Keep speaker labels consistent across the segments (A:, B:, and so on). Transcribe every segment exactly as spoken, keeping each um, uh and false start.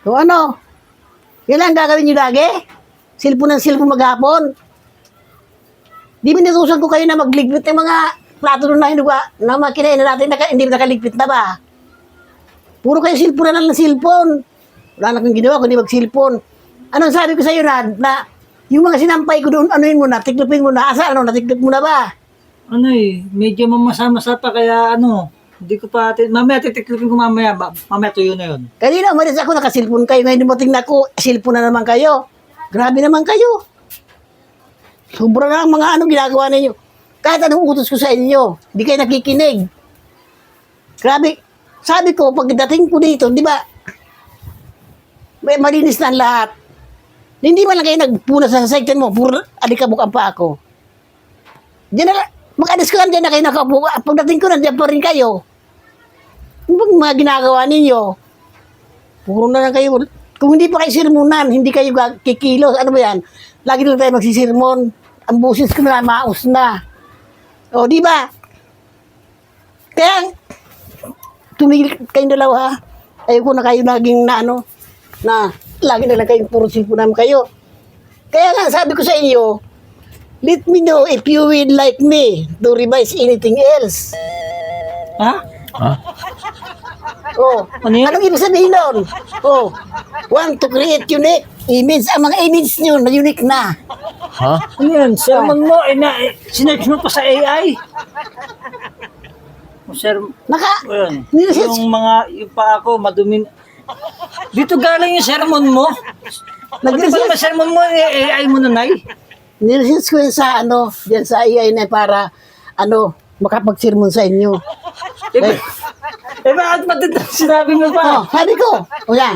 A: So ano? Yan lang gagawin nyo lagi? Silpon ng silpon maghapon. Di minutusan ko kayo na magligpit ng mga plato na hinuga na makinain na natin naka, hindi nakaligpit na ba? Puro kayo silpon na lang ng silpon. Wala na kong ginawa kundi magsilpon. Anong sabi ko sa iyo na, na yung mga sinampay ko doon, anuin mo na, tiklopin mo na, asa, ano, natiklop mo na ba?
B: Ano eh, medyo mamasa-masa pa kaya ano, hindi ko pa, ati- mamaya titiklopin ko mamaya, ba- mamaya tuyo na yun.
A: Kanina umalis ako, nakasilpon kayo. Ngayon dumating na ako, silpon na naman kayo. Grabe naman kayo. Sobra na ang mga ano ginagawa ninyo. Kahit anong utos ko sa inyo, hindi kayo nakikinig. Grabe. Sabi ko, pagdating ko dito, di ba, may malinis na ang lahat. Hindi man lang kayo nagpuna sa section mo, puro alikabok ang pa ako. Diyan na, mag-alis ko lang dyan na kayo nakaupo. Pagdating ko, nandiyan pa rin kayo. Ano bang mga ginagawa ninyo? Puro na lang kayo. Kung hindi pa kayo sirmonan, hindi kayo kikilos. Ano ba yan? Lagi lang tayo magsisirmon. Ang busis ko na, maus na. O, di ba? Kaya, tumigil kayong dalawa. Ayoko na kayo naging na ano, na lagi na lang kayong puro silpunan kayo. Kaya nga, sabi ko sa inyo, let me know if you will like me to revise anything else.
B: Ha?
C: Ha?
A: Oh,
B: Ano yun?
A: anong ibig sabihin nun? Oh, want to create unique image. Ang mga image nyo na unique na.
C: Ha?
B: Ano yan? Sermon mo, eh, na, eh, sinerch mo pa sa A I? O sir,
A: Naka,
B: ayun,
A: niresearch,
B: yung mga, yung pa ako, madumin. Dito galing yung sermon mo. Pati ba
A: nag-research,
B: naman sermon mo, eh, A I mo na, Nay?
A: niresearch ko yun sa ano, diyan sa A I na para, ano, makapag-sermon sa inyo.
B: Eh, ba- eh bakit matanda sinabi mo
A: Oh,
B: pa?
A: sabi ko, o yan,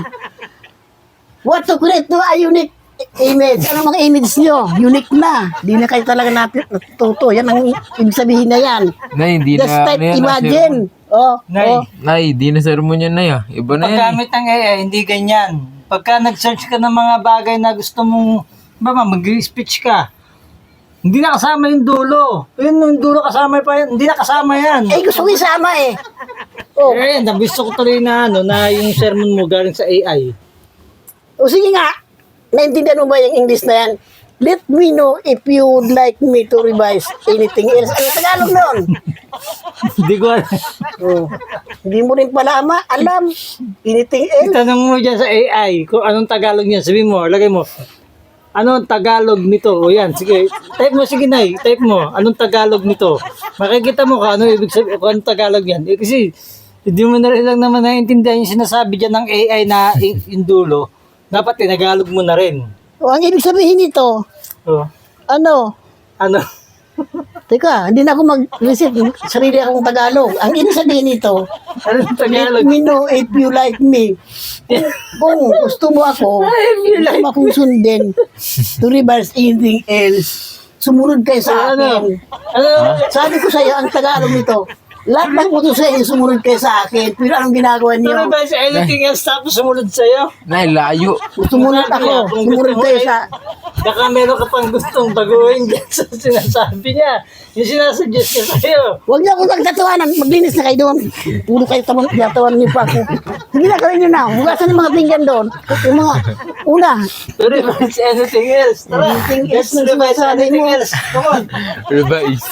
A: what to create to a unique image. Ano mga image nyo? Unique na. Di na kayo talaga natuto. Yan ang ibig sabihin na yan.
C: Nay, hindi
A: Just
C: na,
A: type
C: ano yan,
A: imagine. Oh,
B: Nay.
A: oh.
C: Nay, di na sermon yan, Nay, ah. Iba na yan. eh.
B: Paggamit ng A I, hindi ganyan. Pagka nag-search ka ng mga bagay na gusto mong, ba ba, mag-speech ka, hindi na kasama yung dulo. Yun, yung dulo kasama pa yan. Hindi na kasama yan.
A: Eh, gusto ko isama eh. Oh,
B: Eh, gusto ko tuloy na, ano, na yung sermon mo galing sa A I.
A: o sige nga. Naintindihan mo ba yung English na yan? Let me know if you would like me to revise anything else. Ano Tagalog nun?
B: Hindi ko alam.
A: Oh, hindi mo rin pala ama, alam. Anything else?
B: Tanong mo dyan sa A I kung anong Tagalog niya. Sabihin mo, lagay mo, anong Tagalog nito? O yan, sige. Type mo, sige Nay. Type mo, anong Tagalog nito? Makikita mo kung ano ibig sabihin, kung anong Tagalog yan. Eh, kasi, hindi mo na rin lang naman naiintindihan yung sinasabi dyan ng A I na i- yung dulo. Dapat tinagalog mo na rin.
A: O, ang ibig sabihin nito,
B: O,
A: ano?
B: ano?
A: Teka, hindi na ako mag-receive ng sarili akong Tagalog. Ang ibig sabihin nito,
B: Anong
A: let
B: Tagalog?
A: me know if you like me. Kung gusto mo ako, gusto mo akong sundin to revise anything else, sumunod kayo sa
B: Ano?
A: akin.
B: Ano?
A: Sabi ko sa iyo, ang Tagalog nito, lahat ng utos sa inyo, sumunod kayo sa akin. Pero anong ginagawa
B: Ano
A: niyo?
B: ba sa anything else tapos sumunod sa'yo?
C: Nay, layo.
A: Sumunod ako, sumunod kayo sa...
B: Baka meron ka pang gustong baguhin dyan sa sinasabi niya. Yung sinasuggest niya sa'yo.
A: Huwag niyo akong nagtatawanan, maglinis na kayo doon. Puro kayo tamang tinatawan niyo pa ako. Sige na, gawin niyo na. Hugasan yung mga pinggan doon. Yung mga, una,
B: To revise anything else. Tara,
A: Anything
B: let's
A: else na
B: revise
A: sinasabi
B: anything
A: mo.
B: else. Come on.
C: Revise.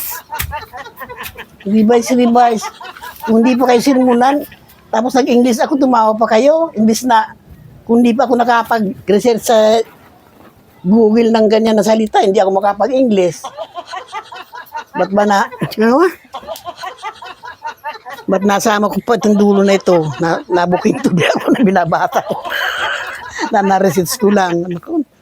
A: revise, revise. Kung hindi pa kayo sirmunan, tapos nag-English ako, tumawa pa kayo. Imbis na, kung hindi pa ako nakapag-research sa Google ng ganyan na salita, hindi ako makapag-English. Ba't ba na, ano ba? Ba't nasama ko pa itong dulo na ito? Na, nabuking tubi ako na binabata ko. na na-research ko lang. Ano ko?